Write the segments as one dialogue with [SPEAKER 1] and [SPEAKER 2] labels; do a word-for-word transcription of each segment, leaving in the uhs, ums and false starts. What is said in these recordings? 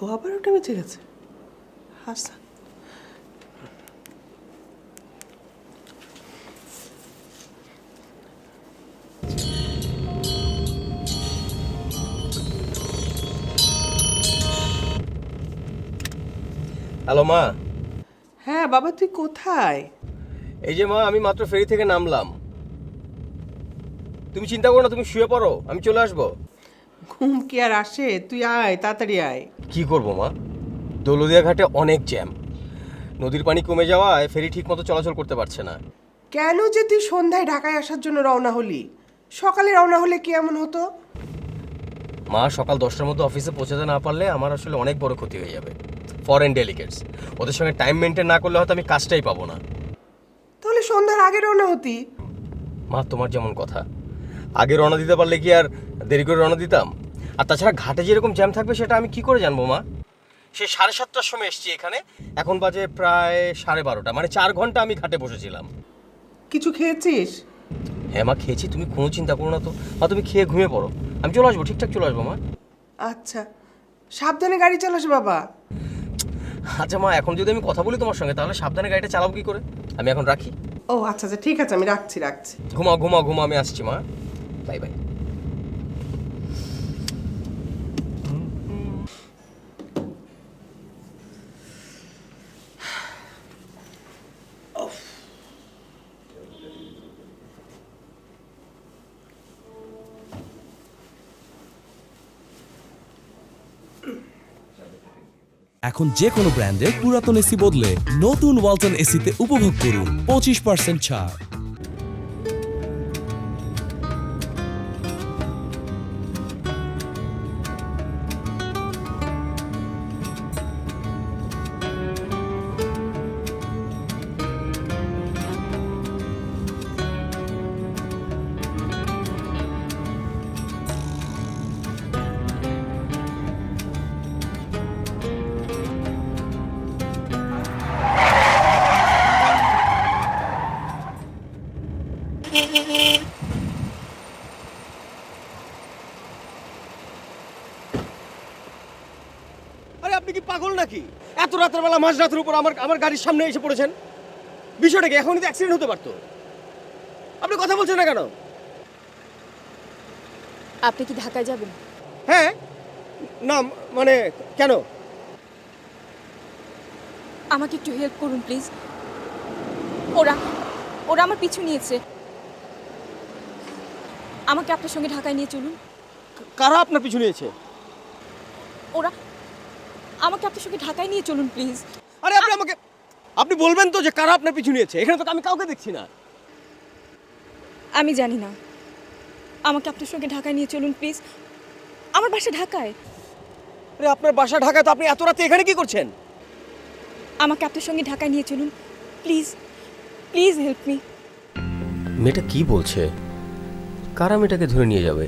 [SPEAKER 1] আবার ওটা বেঁচে গেছে। হাসান
[SPEAKER 2] হ্যালো মা।
[SPEAKER 1] হ্যাঁ বাবা, তুই কোথায়?
[SPEAKER 2] এই যে মা, আমি মাত্র ফেরি থেকে নামলাম। তুমি চিন্তা করো না, তুমি শুয়ে পড়ো, আমি চলে আসবো।
[SPEAKER 1] ঘুম কি আর আসে? তুই আয়, তাড়াতাড়ি আয়।
[SPEAKER 2] কি করব মা, দৌলদিয়া ঘাটে অনেক জ্যাম। নদীর পানি কমে যাওয়ায় ফেরি ঠিক মতো চলাচল করতে পারছে না।
[SPEAKER 1] কেন যে তুই সন্ধ্যায় ঢাকায় আসার জন্য রওনা হলি? সকালে রওনা হলে কি এমন হতো?
[SPEAKER 2] মা, সকাল দশটার মধ্যে অফিসে পৌঁছাতে না পারলে আমার আসলে অনেক বড় ক্ষতি হয়ে যাবে। ফরেন ডেলিগেটস, ওদের সঙ্গে টাইম মেনটেন না করলে হয়তো আমি কাজটাই পাবো না।
[SPEAKER 1] তাহলে সন্ধ্যার আগে রওনা হতি।
[SPEAKER 2] মা, তোমার যেমন কথা, আগে রওনা দিতে পারলে কি আর দেরি করে রওনা দিতাম? আর তাছাড়া ঘাটে যেরকম জ্যাম থাকবে সেটা আমি কি করে জানবো মা? সে সাড়ে সাতটার সময় এসছি এখানে, এখন বাজে প্রায় সাড়ে বারোটা, মানে চার ঘন্টা আমি ঘাটে বসেছিলাম।
[SPEAKER 1] কিছু খেয়েছিস?
[SPEAKER 2] হ্যাঁ মা, খেয়েছি। তুমি কোনো চিন্তা করো না তো মা, তুমি খেয়ে ঘুমিয়ে পড়ো, আমি চলে আসবো, ঠিকঠাক চলে আসবো মা।
[SPEAKER 1] আচ্ছা, সাবধানে গাড়ি চালাস বাবা।
[SPEAKER 2] আচ্ছা মা, এখন যদি আমি কথা বলি তোমার সঙ্গে তাহলে সাবধানে গাড়িটা চালাবো কি করে? আমি এখন রাখি।
[SPEAKER 1] ও আচ্ছা আচ্ছা, ঠিক আছে, আমি রাখছি রাখছি।
[SPEAKER 2] ঘুমাও ঘুমাও ঘুমাও, আমি আসছি মা, বাই বাই।
[SPEAKER 3] এখন যে কোনো ব্র্যান্ডের পুরাতন এসি বদলে নতুন ওয়ালটন এসিতে উপভোগ করুন পঁচিশ পার্সেন্ট ছাড়।
[SPEAKER 2] আরে আপনি কি পাগল নাকি? এত রাতের বেলা মাঝ রাতের উপর আমার আমার গাড়ির সামনে এসে পড়েছেন। বিষয়টা কি? এখনই তো অ্যাক্সিডেন্ট হতে পারতো। আপনি কথা বলছেন না কেন?
[SPEAKER 4] আপনি কি ঢাকায় যাবেন?
[SPEAKER 2] হ্যাঁ, না মানে কেন?
[SPEAKER 4] আমাকে একটু হেল্প করুন প্লিজ। ওরা ওরা আমার পিছু নিয়েছে। আমাকে আপনার সঙ্গে ঢাকায় নিয়ে চলুন।
[SPEAKER 2] কারা আপনার পিছু নিয়েছে?
[SPEAKER 4] ওরা আমাকে আপনার সঙ্গে ঢাকায় নিয়ে চলুন প্লিজ।
[SPEAKER 2] আরে আপনি আমাকে আপনি বলবেন তো যে কারা আপনার পিছু নিয়েছে? এখানে তো আমি কাউকে দেখছি না।
[SPEAKER 4] আমি জানি না। আমাকে আপনার সঙ্গে ঢাকায় নিয়ে চলুন প্লিজ। আমার বাসা ঢাকায়।
[SPEAKER 2] আরে আপনার বাসা ঢাকায়, তো আপনি এত রাতে এখানে কি করছেন?
[SPEAKER 4] আমাকে আপনার সঙ্গে ঢাকায় নিয়ে চলুন প্লিজ। Please help me.
[SPEAKER 2] মেয়েটা কি বলছে? কারা মেয়েটাকে ধরে নিয়ে যাবে?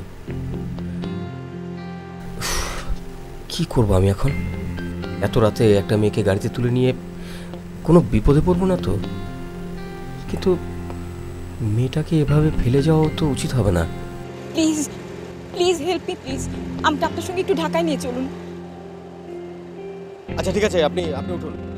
[SPEAKER 2] কি করব আমি এখন? এত রাতে একটা মেয়েকে গাড়িতে তুলে নিয়ে কোনো বিপদে পড়বো না তো? কিন্তু মেয়েটাকে এভাবে ফেলে যাওয়া তো উচিত হবে না।
[SPEAKER 4] Please please help me please. আমাকে আপনার সঙ্গে একটু ঢাকায় নিয়ে চলুন।
[SPEAKER 2] আচ্ছা ঠিক আছে, আপনি আপনি উঠুন।